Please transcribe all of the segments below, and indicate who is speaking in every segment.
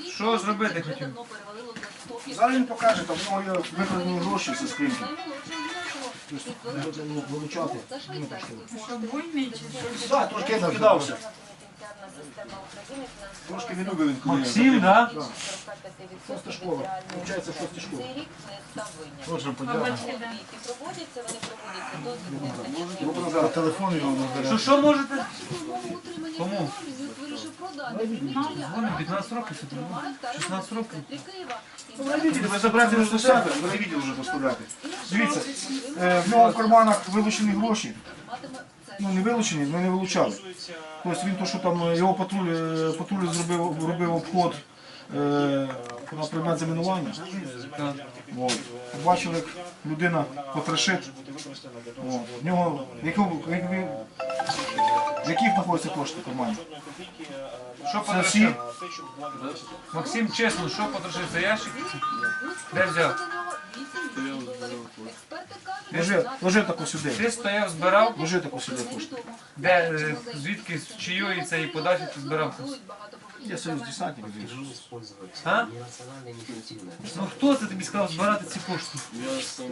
Speaker 1: Що зробити хотів?
Speaker 2: Зараз він покаже, там в нього є викладені гроші зі скриньки. Вилучати. Так, трошки я накидався. Трошки не любив він коли.
Speaker 1: Максим, так?
Speaker 2: Шоста школа. Получається, шоста школа.
Speaker 3: Дуже подякую.
Speaker 2: По телефону його набере.
Speaker 1: Що можете? Кому? Вони 15 років, 16 років.
Speaker 2: Ви бачите, ви забрати вже до себе, ви відділ вже поставляти. Дивіться, в нього в карманах вилучені гроші. Ну не вилучені, ми не вилучали. Тобто він то, що там його патруль робив обход на предмет замінування. Побачили, як людина потрошить. В нього, в яких знаходяться кошти в кармані?
Speaker 1: Що
Speaker 2: Це всі?
Speaker 1: Максим, чесно, що потрошив за ящик? Де взяв?
Speaker 2: Ложи тако сюди.
Speaker 1: Ти стояв, збирав?
Speaker 2: Ложи тако сюди кошти.
Speaker 1: Де, звідки, з чиєї цієї подачі ти збирав?
Speaker 2: Я союз десантників.
Speaker 1: А? Ну хто це тобі сказав збирати ці кошти?
Speaker 3: Я сам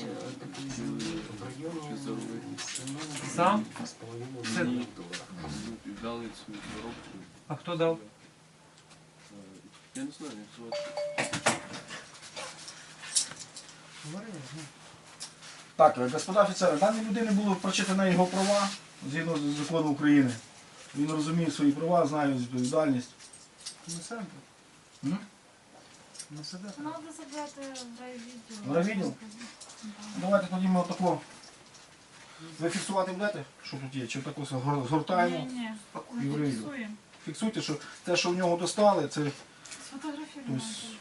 Speaker 1: Сам? Це...
Speaker 3: дали цю коробку.
Speaker 1: А хто дав?
Speaker 3: Я не знаю, як звати.
Speaker 2: Так, господа офіцери, даній людини було прочитано його права згідно з законом України. Він розуміє свої права, знає відповідальність.
Speaker 4: Надо забрати в райвідділ.
Speaker 2: Райвідділ? Давайте тоді ми отако. Ви фіксувати будете, що тут є? Чи тако згортаємо?
Speaker 4: Ні,
Speaker 2: І в
Speaker 4: ми
Speaker 2: райвідділ.
Speaker 4: фіксуємо.
Speaker 2: Фіксуйте, що те, що в нього достали, це
Speaker 4: Сфотографіруємо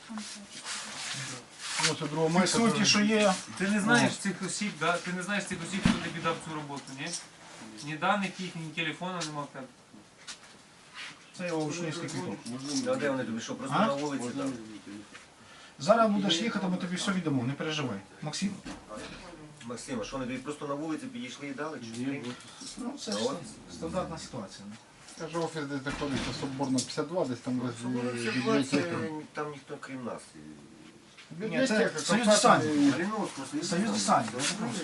Speaker 4: на телефон.
Speaker 2: фіксуйте, що є.
Speaker 1: Ти не знаєш цих осіб, да? Ти не знаєш цих осіб, хто тобі дав цю роботу, ні? Ні даних їх, ні телефону нема в тебе.
Speaker 2: Це його учнівський квиток.
Speaker 5: А де вони тобі що, просто
Speaker 2: А?
Speaker 5: на вулиці там?
Speaker 2: Зараз будеш їхати, ми тобі все віддамо, не переживай. Максим?
Speaker 5: Максим, а що вони тобі просто на вулиці підійшли і дали? Чи що?
Speaker 2: Ну, це ж стандартна ситуація.
Speaker 3: Каже, офіс десь знаходиться Соборна 52, десь там
Speaker 5: Це там ніхто крім нас.
Speaker 2: Ні, це союз десантів.
Speaker 5: Малиновського,
Speaker 2: Союз десантів.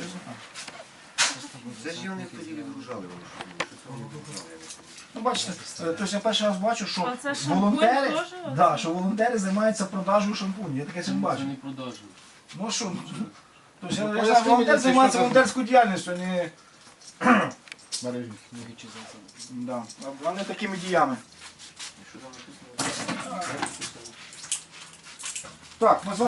Speaker 5: Це ж вони тоді відгружали, вони що вони відгружали.
Speaker 2: Ну, бачите, тобто я перший раз бачу, що
Speaker 4: А це шампунь
Speaker 2: волонтери,
Speaker 4: теж?
Speaker 2: да, що волонтери займаються продажею шампуню. Я таке ще не бачу.
Speaker 3: не продажу.
Speaker 2: Ну що, тобто я знаю, волонтер займається волонтерською діяльністю, а не такими діями. Так, ми з вами